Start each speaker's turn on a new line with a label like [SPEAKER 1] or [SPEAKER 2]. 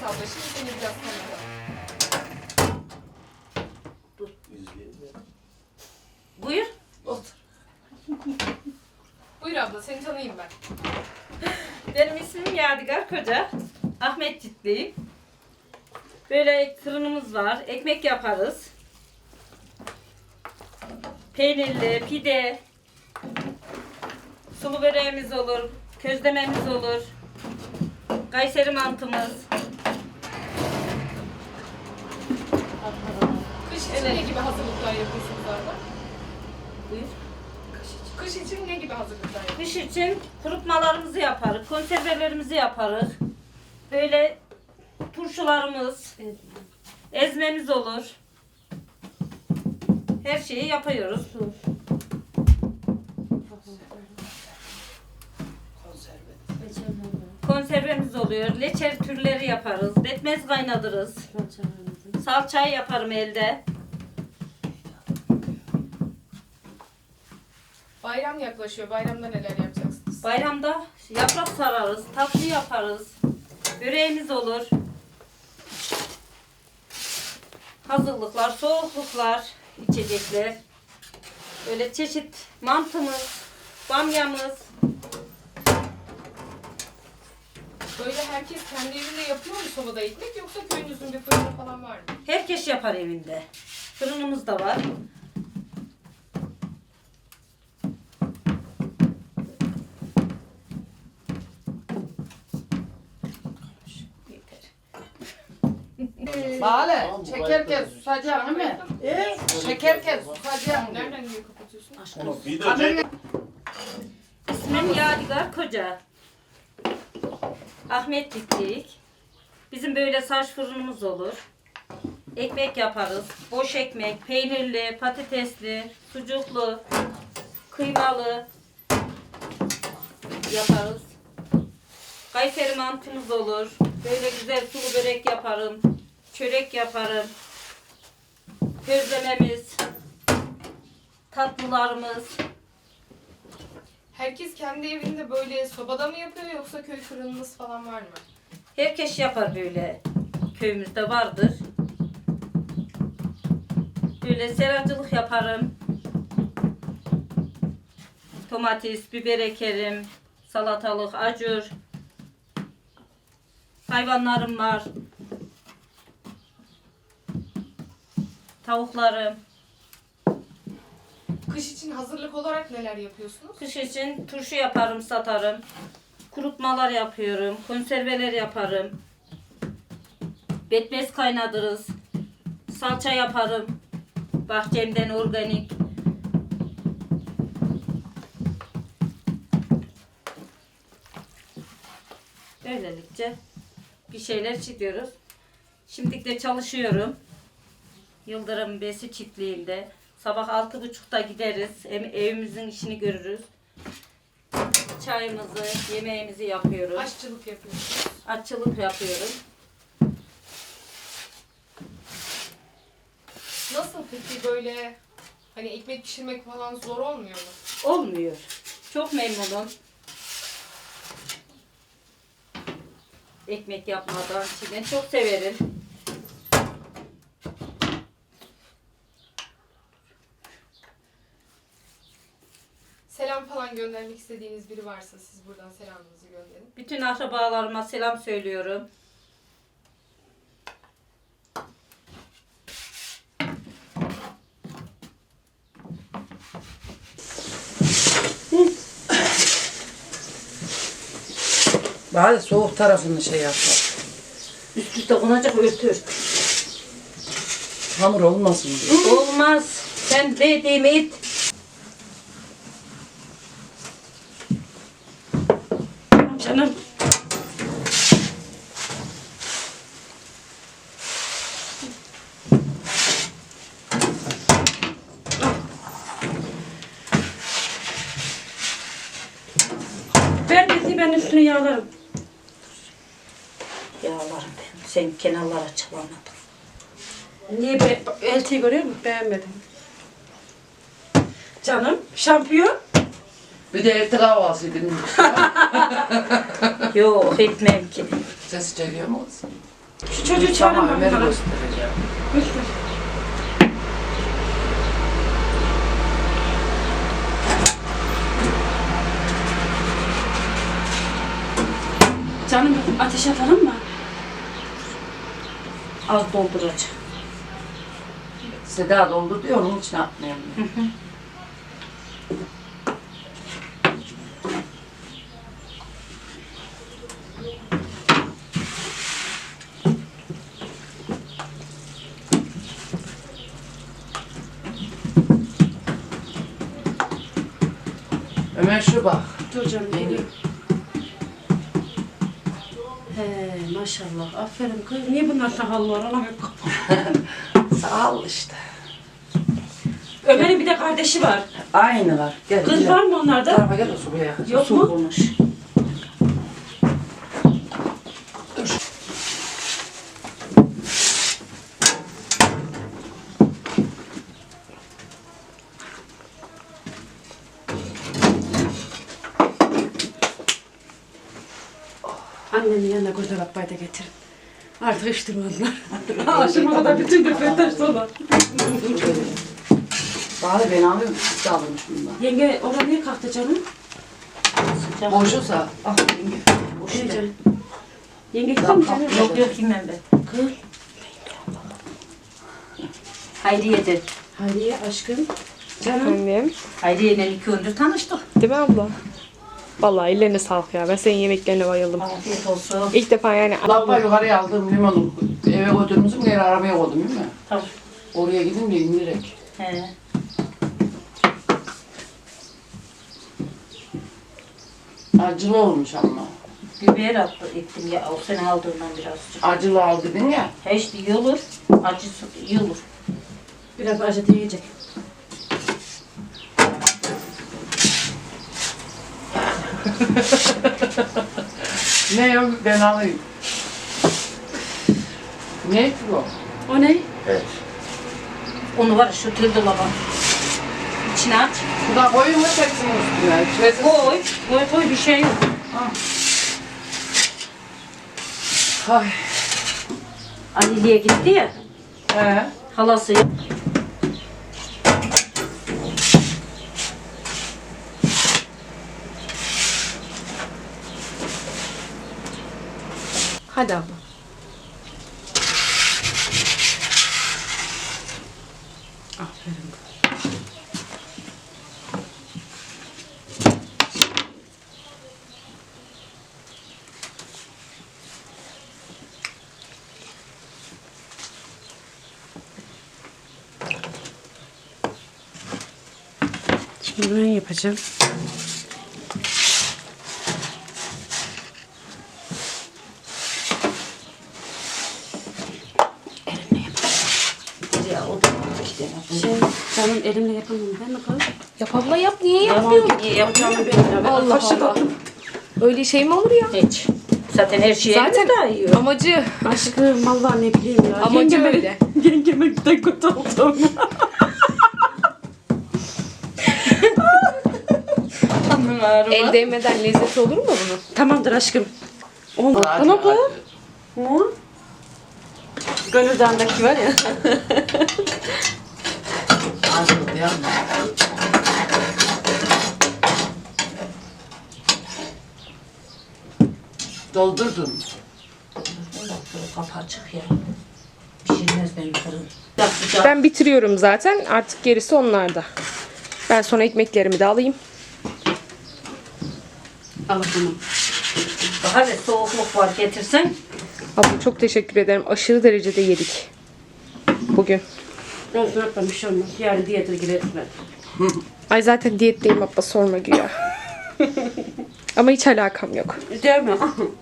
[SPEAKER 1] abla. Şimdi seni biraz tanıyalım.
[SPEAKER 2] Buyur.
[SPEAKER 1] Otur. Buyur abla, seni tanıyayım ben.
[SPEAKER 2] Benim ismim Yadigar Koca. Ahmetcikliyim. Böyle fırınımız var. Ekmek yaparız. Peynirli, pide, sulu böreğimiz olur, közlememiz olur, Kayseri mantımız.
[SPEAKER 1] Kış için ne gibi hazırlıklar yapıyorsunuz abla?
[SPEAKER 2] Buyur.
[SPEAKER 1] Kış için ne gibi hazırlıklar yapıyorsunuz?
[SPEAKER 2] Kış için kurutmalarımızı yaparız, konservelerimizi yaparız. Böyle turşularımız, ezmemiz olur. Her şeyi yapıyoruz. Konservemiz oluyor. Leçer türleri yaparız. Betmez kaynatırız. Salçayı yaparım elde.
[SPEAKER 1] Bayram yaklaşıyor. Bayramda neler yapacaksınız?
[SPEAKER 2] Bayramda yaprak sararız. Tatlı yaparız. Böreğimiz olur. Hazırlıklar, soğukluklar, içecekler. Böyle çeşit mantımız, bamyamız.
[SPEAKER 1] Böyle herkes kendi evinde yapıyor mu sobada ekmek, yoksa köyünüzün bir fırını falan var mı?
[SPEAKER 2] Herkes yapar evinde. Fırınımız da var. Yeter.
[SPEAKER 3] Bale, çekerken susacağım değil mi? Çekerken susacağım.
[SPEAKER 1] Nereden niye kapatıyorsun?
[SPEAKER 2] İsmim Yadigar Koca. Ahmetliklik. Bizim böyle saç fırınımız olur. Ekmek yaparız. Boş ekmek, peynirli, patatesli, sucuklu, kıymalı yaparız. Kayseri mantımız olur. Böyle güzel sulu börek yaparım. Çörek yaparım. Közlememiz, tatlılarımız.
[SPEAKER 1] Herkes kendi evinde böyle sobada mı yapıyor, yoksa köy fırınınız falan var mı?
[SPEAKER 2] Herkes yapar böyle. Köyümüzde vardır. Böyle seracılık yaparım. Domates, biber ekerim. Salatalık, acur. Hayvanlarım var. Tavuklarım.
[SPEAKER 1] Kış için hazırlık olarak neler yapıyorsunuz?
[SPEAKER 2] Kış için turşu yaparım, satarım. Kurutmalar yapıyorum. Konserveler yaparım. Betmez kaynatırız. Salça yaparım. Bahçemden organik. Böylelikle bir şeyler çiziyoruz. Şimdi de çalışıyorum. Yıldırım Besi çiftliğinde. Sabah 6.30'da gideriz. Evimizin işini görürüz. Çayımızı, yemeğimizi yapıyoruz.
[SPEAKER 1] Aşçılık yapıyorsunuz.
[SPEAKER 2] Aşçılık yapıyorum.
[SPEAKER 1] Nasıl peki böyle hani ekmek pişirmek falan zor olmuyor mu?
[SPEAKER 2] Olmuyor. Çok memnunum. Ekmek yapmadan içine çok severim.
[SPEAKER 1] Selam falan göndermek istediğiniz biri varsa siz buradan selamınızı gönderin.
[SPEAKER 2] Bütün akrabalarıma selam söylüyorum.
[SPEAKER 3] Bari soğuk tarafını şey yap.
[SPEAKER 2] Üst üste konacak örtür.
[SPEAKER 3] Hamur olmasın diye.
[SPEAKER 2] Olmaz. Sen dediğimi it. Canım.
[SPEAKER 4] Ver ben üstünü yağlarım.
[SPEAKER 2] Yağlarım ben. Sen kenarlara çılamadın.
[SPEAKER 4] Niye eltiyi görüyor musun? Beğenmedim. Canım şampiyon.
[SPEAKER 3] Bir de evde kahvaltı edin.
[SPEAKER 2] Yok etmem ki.
[SPEAKER 3] Sesi çekiyor mu?
[SPEAKER 4] Şu çocuğu çağırın
[SPEAKER 3] Tamam,
[SPEAKER 4] bana.
[SPEAKER 3] Ömer'i göstereceğim.
[SPEAKER 4] Göster. Canım ateş atalım mı?
[SPEAKER 2] Az dolduracağım.
[SPEAKER 3] Seda doldu diyor, onun için atmayayım. Ömer şu bak.
[SPEAKER 4] Dur canım geliyor. He maşallah. Aferin kız. Niye bunlar sakallı var? Ona bak.
[SPEAKER 3] Sağ ol işte.
[SPEAKER 4] Ömer'in bir de kardeşi var.
[SPEAKER 3] Aynılar. Gel.
[SPEAKER 4] Kız
[SPEAKER 3] gel.
[SPEAKER 4] var mı onlarda?
[SPEAKER 3] Tarafa gel de su buraya.
[SPEAKER 4] Yok
[SPEAKER 2] Su
[SPEAKER 4] mu?
[SPEAKER 2] bulmuş.
[SPEAKER 4] Annemin yanına güzel ablayı da getirin. Artık içtirmezler. Aşıma kadar bütün dökülür dolar.
[SPEAKER 3] Bari ben alıyorum. Siz de almış bundan.
[SPEAKER 4] Yenge oraya niye kalktı canım?
[SPEAKER 2] Sıcak.
[SPEAKER 3] Boşusa.
[SPEAKER 2] Ah, yenge. Boş
[SPEAKER 4] Ne
[SPEAKER 2] ver.
[SPEAKER 4] canım? Yenge gitti mi canım?
[SPEAKER 2] Yok yok yemem ben.
[SPEAKER 4] Kız.
[SPEAKER 2] Hayriye'dir.
[SPEAKER 4] Hayriye aşkım. Canım.
[SPEAKER 1] Efendim.
[SPEAKER 2] Hayriye'yle 2 gündür tanıştık.
[SPEAKER 1] Değil mi abla? Vallahi ellerine sağlık ya. Ben senin yemeklerine bayıldım.
[SPEAKER 2] Afiyet olsun.
[SPEAKER 1] İlk defa yani
[SPEAKER 3] Lamba yukarıya aldım limonu. Eve götürmüşüm, geri arabaya koydum değil mi?
[SPEAKER 2] Tamam.
[SPEAKER 3] Oraya gidince indirek.
[SPEAKER 2] He.
[SPEAKER 3] Acılı olmuş ama.
[SPEAKER 2] Biber attı ettim ya. O sene aldığından birazcık.
[SPEAKER 3] Acılı al dedin ya.
[SPEAKER 2] He işte iyi olur. Acısı iyi olur.
[SPEAKER 4] Biraz acı diyecek.
[SPEAKER 3] Ne yok ben alayım. Ne ki bu?
[SPEAKER 4] O ne?
[SPEAKER 3] Evet.
[SPEAKER 2] Onu var ya şu tül dolaba. İçine aç.
[SPEAKER 3] Şurada koyun mu çeksin üstüne? Çeksin.
[SPEAKER 2] Koy. Koy koy bir şey yok.
[SPEAKER 3] Ay.
[SPEAKER 2] Ali'ye gitti ya.
[SPEAKER 3] He.
[SPEAKER 2] Halası.
[SPEAKER 1] hadi abla.
[SPEAKER 4] Aferin. Şimdi ben yapacağım.
[SPEAKER 2] Ya o da iki tane.
[SPEAKER 4] Canım elimle yapamam. Ben mi koyayım?
[SPEAKER 1] Yap abla yap. Niye
[SPEAKER 2] Yalan
[SPEAKER 1] yapmıyorsun?
[SPEAKER 2] niye yapacağım?
[SPEAKER 4] Canım benim ya. Ben
[SPEAKER 1] Allah
[SPEAKER 4] kaşık
[SPEAKER 1] Allah.
[SPEAKER 4] attım.
[SPEAKER 1] Öyle şey mi olur ya?
[SPEAKER 2] Hiç. Zaten her şeye
[SPEAKER 1] Zaten
[SPEAKER 2] daha yiyor.
[SPEAKER 1] amacı.
[SPEAKER 4] Aşkım vallahi ne bileyim ya.
[SPEAKER 1] Amacı
[SPEAKER 4] Yengeme-
[SPEAKER 1] öyle.
[SPEAKER 4] Yengeme de kötü oldum.
[SPEAKER 1] El değmeden lezzeti olur mu bunun?
[SPEAKER 4] Tamamdır aşkım. Oldu.
[SPEAKER 3] Acı,
[SPEAKER 4] Bana koy.
[SPEAKER 3] acı.
[SPEAKER 4] Ne? Gönül Dağı'ndaki var ya.
[SPEAKER 3] Acı değil mi? Doldurdun.
[SPEAKER 2] Kapı açık ya. Pişirmez benim fırın. Sıcak.
[SPEAKER 1] Ben bitiriyorum zaten. Artık gerisi onlarda. Ben sonra ekmeklerimi de alayım.
[SPEAKER 4] Al bunu.
[SPEAKER 2] Daha ve soğukluk var getirsen.
[SPEAKER 1] Abla çok teşekkür ederim. Aşırı derecede yedik. Bugün.
[SPEAKER 4] Olsun abla bir şey olmaz. Yarın diyete gireriz ben.
[SPEAKER 1] Ay zaten diyetteyim abla sorma güya. Ama hiç alakam yok.
[SPEAKER 4] Değil mi?